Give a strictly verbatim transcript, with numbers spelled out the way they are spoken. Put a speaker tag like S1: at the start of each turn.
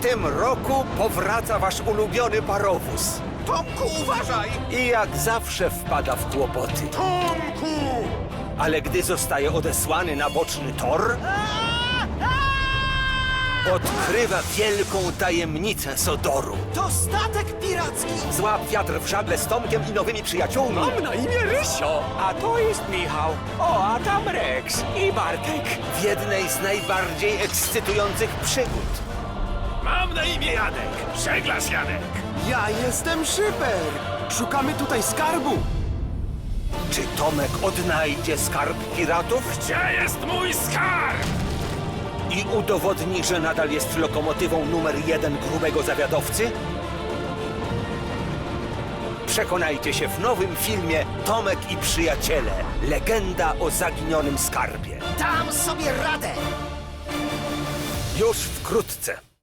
S1: tym roku powraca wasz ulubiony parowóz.
S2: Tomku, uważaj!
S1: I jak zawsze wpada w kłopoty.
S2: Tomku!
S1: Ale gdy zostaje odesłany na boczny tor, odkrywa wielką tajemnicę Sodoru.
S2: To statek piracki!
S1: Złap wiatr w żagle z Tomkiem i nowymi przyjaciółmi.
S3: Mam na imię Rysio, a to jest Michał. O, a tam Rex i Bartek.
S1: W jednej z najbardziej ekscytujących przygód.
S3: Mam na imię Janek, żeglarz Janek.
S2: Ja jestem Szyper! Szukamy tutaj skarbu!
S1: Czy Tomek odnajdzie skarb piratów
S3: Gdzie jest mój skarb?
S1: i udowodni, że nadal jest lokomotywą numer jeden grubego zawiadowcy? Przekonajcie się w nowym filmie Tomek i przyjaciele. Legenda o zaginionym skarbie.
S2: Dam sobie radę!
S1: Już wkrótce.